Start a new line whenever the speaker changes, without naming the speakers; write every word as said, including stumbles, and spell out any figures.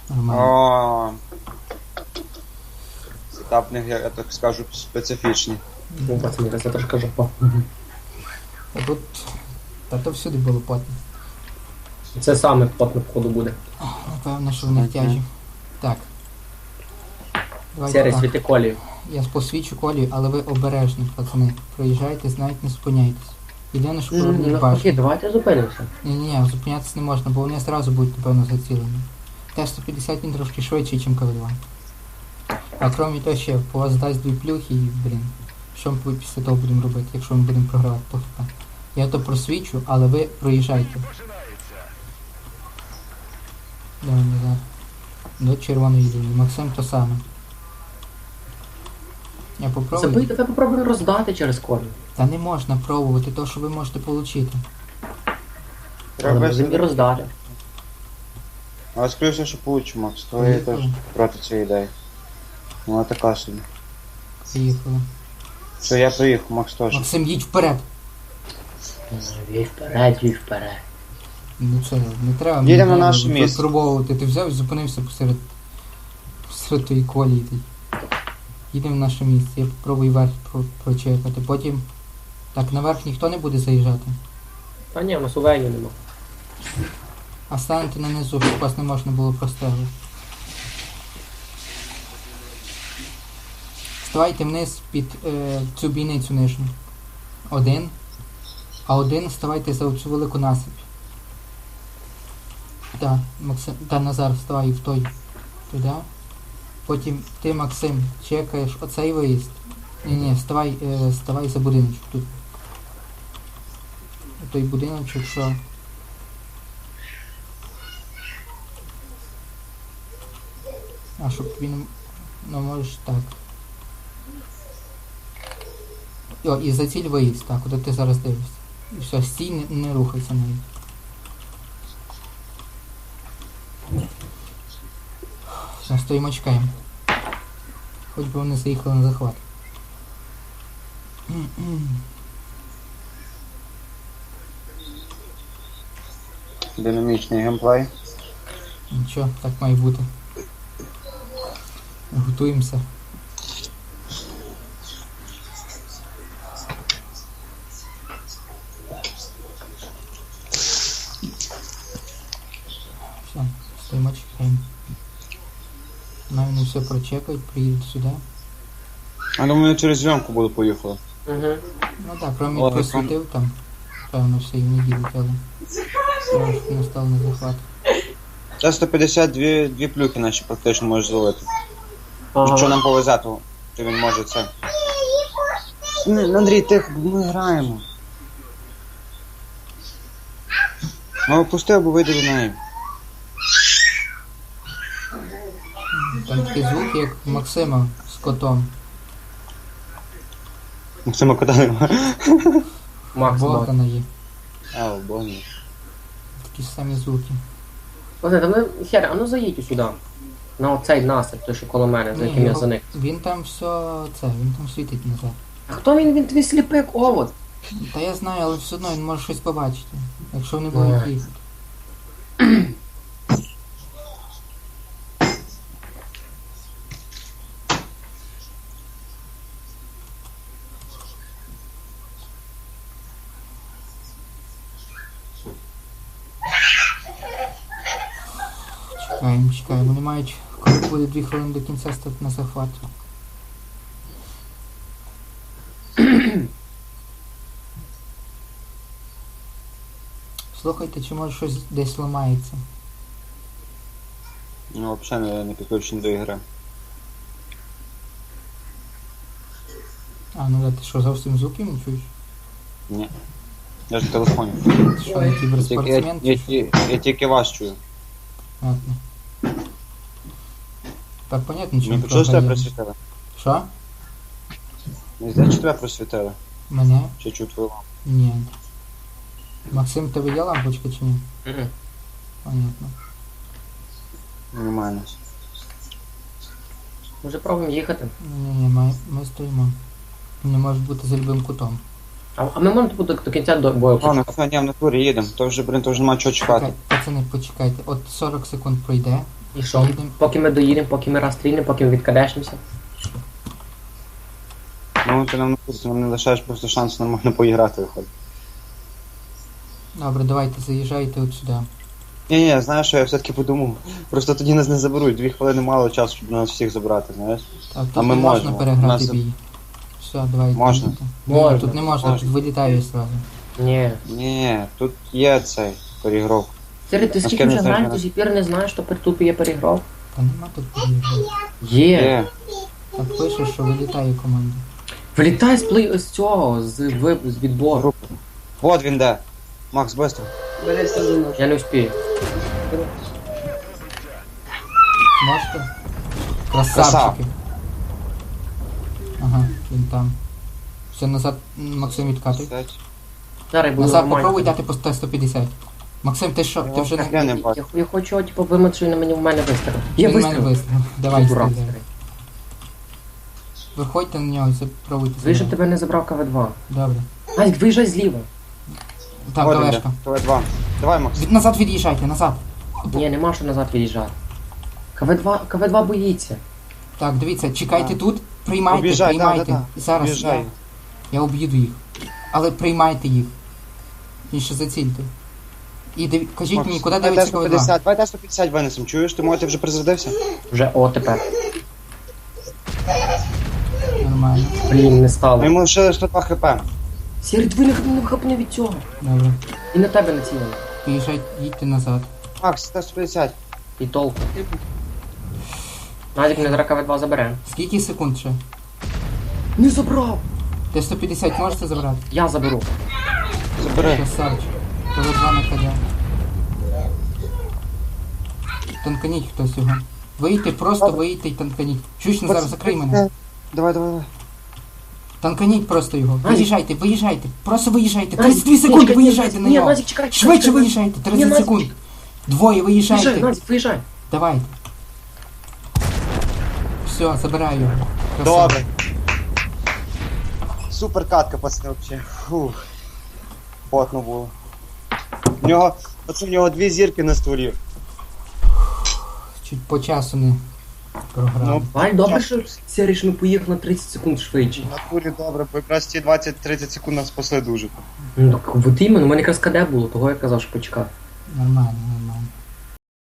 Нормально.
О. Етап в них, я так скажу, специфічний.
Ну, пацани, це трошки жопа.
А тут... Та то всюди було потно.
Це саме потно входу буде.
Напевно, що в них тяжі. Так. Давайте
Серий
так.
світи колію.
Я посвічу колію, але ви обережні, пацани. Проїжджайте, навіть не зупиняйтесь. Єдине, що поверніть
Навпаки,
башню.
давайте зупинимося.
Ні-ні-ні, зупинятися не можна, бо вони одразу будуть, напевно, зацілені. Т сто п'ятдесят він трошки швидший, ніж ка два. А крім того, ще по вас дасть дві плюхи і, блін, що ми після того будемо робити, якщо ми будемо програвати по хп. Я то просвічу, але ви проїжджайте. Давай назад. До червоної лінії. Максим то саме. Я попробую.
Забийте, ви попробуйте роздати через колію.
Та не можна пробувати то, що ви можете отримати.
Але можемо і роздати.
Але скоріше, що получу, Макс, то я теж проти цієї ідеї. Ну, така собі.
Поїхали.
Що я приїхав, Макс теж.
Максим, їдь вперед!
Вій вперед, вій вперед.
Ну це, не треба
Їдемо на
мені
наше місце.
випробовувати. Ти взяв і зупинився посеред, посеред тої колії. Ти. Їдемо в наше місце. Я попробую верх про, прочекати. Потім... Так, наверх ніхто не буде заїжджати.
Та ні, у нас увені нема.
А станете на низу, щоб вас не можна було простежити. Ставайте вниз під е, цю бійницю нижню. Один. А один ставайте за цю велику насип. Так, Максим, та Назар, вставай в той. Туди. Потім ти, Максим, чекаєш оцей виїзд. Ні-ні, ставай, е, ставай за будиночок тут. Той будиночок, що... А щоб він... Ну можеш так. О, і за ціль виїзд, так, куди ти зараз дивишся. І все, стій, не, не рухайся навіть. Все, стоїмо, чекаємо. Хоч би вони заїхали на захват.
Динамічний геймплей.
Нічого, так має бути. Готуємося. Все, стоїмо, чекаємо. Навіть не все прочекають, приїдуть сюди.
А думаю, я через зйомку буду поїхати.
Угу.
Ну так, кроме
Ладно,
просвітив там, певно, все і не їдуть, але все ж не стало на захват.
Це сто п'ятдесят дві, дві плюхи наші практично можеш зловити.
Ага.
Якщо нам повезе, то, то він може це. Не, Андрій, тихо, ми граємо. Ну, опусти або вийди до неї.
Там такі звуки, як у Максима з котом.
Максима кота нема.
Макс, Макс.
Богдана є.
А, о, Боже.
Такі ж самі звуки.
Оце, та ми, Хер, а ну заїдь сюди. На оцей насип, той, що коло мене, за
Ні,
яким я
його-
заник.
Він там все це, він там світить назад.
А хто він? Він твій сліпик, овод.
Та я знаю, але все одно він може щось побачити. Якщо вони будуть
Ой.
їхати. Чекаємо, чекаємо. Вони мають, коли буде дві хвилини до кінця, стати на захват. Слухайте, чи може щось десь ламається?
Ну, взагалі не, не підключений до ігри.
А, ну да, ти що, зовсім звуків не чуєш?
Ні. Я ж в телефоні.
Ти що, не
Я, тільки- я,
кіберспортсмен?
я, я, я тільки вас чую.
Понятно. Так, понятно,
Не
чому
почув, що тебе
програє.
просвітили?
Що?
Не знаю, чи тебе просвітили?
Мене?
Чи чую твою лампу?
Ні. Максим, тебе є лампочка чи ні?
Мгм.
Понятно.
Нормально.
Може пробуємо їхати.
Ні-ні, ми, ми стоїмо. Не може бути за любим кутом.
А, а ми можемо до, до кінця до бою
Ладно,
почекати?
все, ні, в натурі їдемо. То вже, блин, то вже нема чого чекати.
Чекай, пацани, почекайте. От сорок секунд пройде,
І що?
Їдемо.
Поки ми доїдемо, поки ми розстрінемо, поки ми відкадешимося.
Ну ти нам не курсі, нам не лишаєш просто шанс нормально поіграти виходить.
Добре, давайте, заїжджайте от сюди.
Ні, ні, знаєш, що я все-таки подумав. Просто тоді нас не заберуть, дві хвилини мало часу, щоб нас всіх забрати, знаєш.
Так, тут
А ми
не можна
можемо.
переграти
Нас-
бій. Все, давайте.
Можна.
йдете.
Можна.
Ні, тут не можна,
Можна.
тут вилітаю сразу.
Ні.
Ні, тут є цей перегров.
Сері, ти
А з
скільки
ким
вже
не знаєш,
граєш, ти
мене?
сі пір не знаєш, що тут є перегров?
Та нема тут переграти.
Є.
Є.
Так пише, що вилітає команда.
Вилітай з плей з цього, з, ви- з відбору.
Групи. Вот він де. Макс, быстро.
Бери сюди.
Я не успію.
Можете? Красавчики. Ага, він там. Все, назад, м, Максим відкатуй.
Зараз буду
Назад
нормально.
попробуй дати по сто сто п'ятдесят. Максим, ти що? Ти вже не...
Я не
Я,
бачу.
я хочу, типу, вимити, що він на мені в мене вистрілив. Я
Він в мене
вистрілив.
вистріл. Давай,
Дурак
стріляй.
старий.
Виходьте на нього і спробуйте
Ви щоб
стріляти.
тебе не забрав КВ два.
Добре.
Назік, виїжджай зліва.
Так,
Вот він де.
Олешка.
ТВ два. Давай, Макс.
Від, назад від'їжджайте, назад.
Ні, нема що назад від'їжджати. КВ два, КВ два боїться.
Так, дивіться, чекайте
Так.
тут, приймайте,
Об'їжджай, да,
приймайте.
да, да.
Зараз
Об'їжджай.
я, я об'їду їх. Але приймайте їх. І ще зацільте. І диві... кажіть
Макс,
мені, куди
давай
дивиться
Т сто
КВ два?
п'ятдесят, давай Т сто п'ятдесят винесем. Чуєш, ти може ти вже призарядився?
Вже о тепер.
Нормально.
Блін, не
Ми
стало.
йому лишили сто два хп.
Сірий, дві не хапне від цього.
Добре.
І на тебе націлено.
Поїжджайте, їдьте назад.
Макс, Т сто п'ятдесят.
І толку. Назік, не зараз КВ два забере.
Скільки секунд ще?
Не забрав!
Т сто п'ятдесят можете забрати?
Я заберу.
Забери.
Красавчик. КВ два на КД. Танканіть хтось його. Вийти, просто вийти і танканіть. Чуєш, не зараз закрий мене.
Давай, давай, давай.
Танканіть просто його.
Назік.
Виїжджайте, виїжджайте. Просто виїжджайте.
Назік,
тридцять дві
ні,
секунди,
чекай, ні,
виїжджайте на
ні,
нього.
Назік, чекай, чекай,
Швидше
чекай.
виїжджайте,
Ні,
тридцять
Назік,
секунд. Двоє
Виїжджай,
виїжджайте.
Назік, виїжджай.
Давайте. Все, забираю його. Красава.
Добре. Супер катка, пацани, вообще. Фух. Потно було. В нього, оце в нього дві зірки на стволі.
Чуть по часу не програв.
Ну,
Валь, добре, що Сірий, що ми поїхали на тридцять секунд швидше.
На турі добре, бо якраз ті двадцять-тридцять секунд нас спасли дуже.
Ну так от іменно, у мене якраз КД було, того я казав, що почекав.
Нормально.